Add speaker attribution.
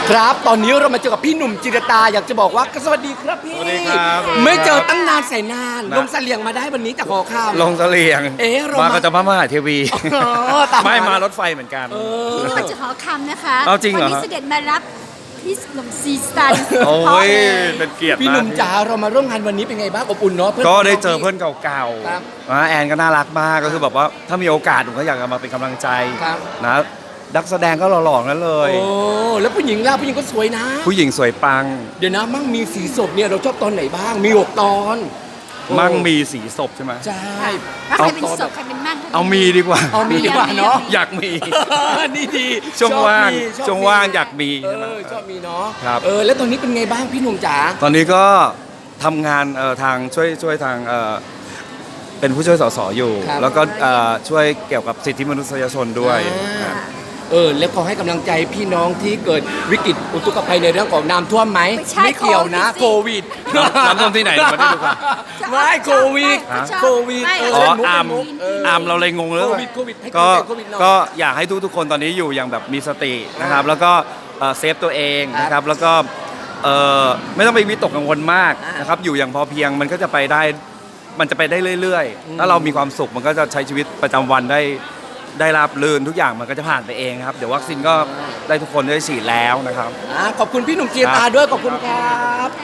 Speaker 1: ครับตอนนี้เรามาเจอกับพี่หนุ่มจิรตาอยากจะบอกว่าสวัสดีครับพี่
Speaker 2: สวัสดีครับ
Speaker 1: ไม่เจอตั้งนานแสนนาน
Speaker 2: นะ
Speaker 1: ลงเสลียงมาได้วันนี้จากหอข้าม
Speaker 2: ลงเสลียง
Speaker 1: เอ๊ะเรา
Speaker 2: มา
Speaker 1: มา
Speaker 2: ก็จะพระมหาเทวี
Speaker 1: อ๋อตาม
Speaker 2: ไม่
Speaker 1: มา
Speaker 2: มารถไฟเหมือนกัน
Speaker 3: นี่มาจากหอคำนะคะ
Speaker 2: เอาจริงเหรอ
Speaker 3: วันนี้เสด็จมารับพี่หนุ่มซีสตัน
Speaker 2: โอ้
Speaker 3: เพราะ
Speaker 2: ย
Speaker 3: เลย
Speaker 2: เป็นเกียรติ
Speaker 1: พี่ห
Speaker 2: มา
Speaker 1: นุ่
Speaker 2: ก
Speaker 1: มจ๋าเรามาร่วมงานวันนี้เป็นไงบ้างอบอุ่นเนาะพื่น
Speaker 2: ก็ได้เจอเพื่อนเก่า
Speaker 1: ครับ
Speaker 2: ๆนะแอนก็น่ารักมากก็คือแบบว่าถ้ามีโอกาสผมก็อยากจะมาเป็นกำลังใจ
Speaker 1: ครับ
Speaker 2: นะนักแสดงก็หล่อๆนั้นเลย
Speaker 1: โอ้แล้วผู้หญิงล่ะผู้หญิงก็สวยนะ
Speaker 2: ผู้หญิงสวยปัง
Speaker 1: เดี๋ยวนะมั่งมีสีศพเนี่ยเราชอบตอนไหนบ้างมี6ตอนโอ้
Speaker 2: มั่งมีสีศพใช่ไหม
Speaker 1: ใช่
Speaker 3: ถ้าใครเป็นศพใครเป็นมั่ง
Speaker 2: เอามีดีกว่า
Speaker 1: เอามีดีกว่าเนาะ
Speaker 2: อยากมี
Speaker 1: นี่ดี
Speaker 2: ช่วงว่าง
Speaker 1: ชอบมี
Speaker 2: ช่วงว่างอยากมี
Speaker 1: เอ
Speaker 2: ใช่ไหม
Speaker 1: อชอบมีเนาะ
Speaker 2: ครับ
Speaker 1: แล้วตอนนี้เป็นไงบ้างพี่หนุ่มจ๋า
Speaker 2: ตอนนี้ก็ทำงานทางช่วยทางเป็นผู้ช่วยสสอยู่ แล้วก็ช่วยเกี่ยวกับสิทธิมนุษยชนด้วย
Speaker 1: อ่าแล้วขอให้กำลังใจพี่น้องที่เกิดวิกฤตอุทกภัยในเรื่องของน้ำท่วมไหมไม่เกี่ยวนะโควิด
Speaker 2: น้ำท่วมที่ไหนเดี๋ยวมาได้ดูกัน
Speaker 1: ไม่โควิด
Speaker 3: ฮะ
Speaker 1: โควิด
Speaker 3: ไม่
Speaker 2: อ๋อ
Speaker 1: เล่นมุก
Speaker 2: อาร์ม
Speaker 1: เล่นมุก
Speaker 2: อาร์มเราเลยงงเลย
Speaker 1: โควิดโควิดให้
Speaker 2: ก็
Speaker 1: โควิดหน่อย
Speaker 2: ก็อยากให้ทุกคนตอนนี้อยู่อย่างแบบมีสตินะครับ แล้วก็เซฟตัวเองนะครับ แล้วก็ไม่ต้องไปวิตกกังวลมากนะครับ อยู่อย่างพอเพียงมันก็จะไปได้มันจะไปได้เรื่อยๆถ้าเรามีความสุขมันก็จะใช้ชีวิตประจำวันได้ราบรื่นทุกอย่างมันก็จะผ่านไปเองครับเดี๋ยววัคซีนก็ได้ทุกคนได้ฉีดแล้วนะครับ
Speaker 1: ขอบคุณพี่หนุ่มจีตาด้วยขอบคุณครับ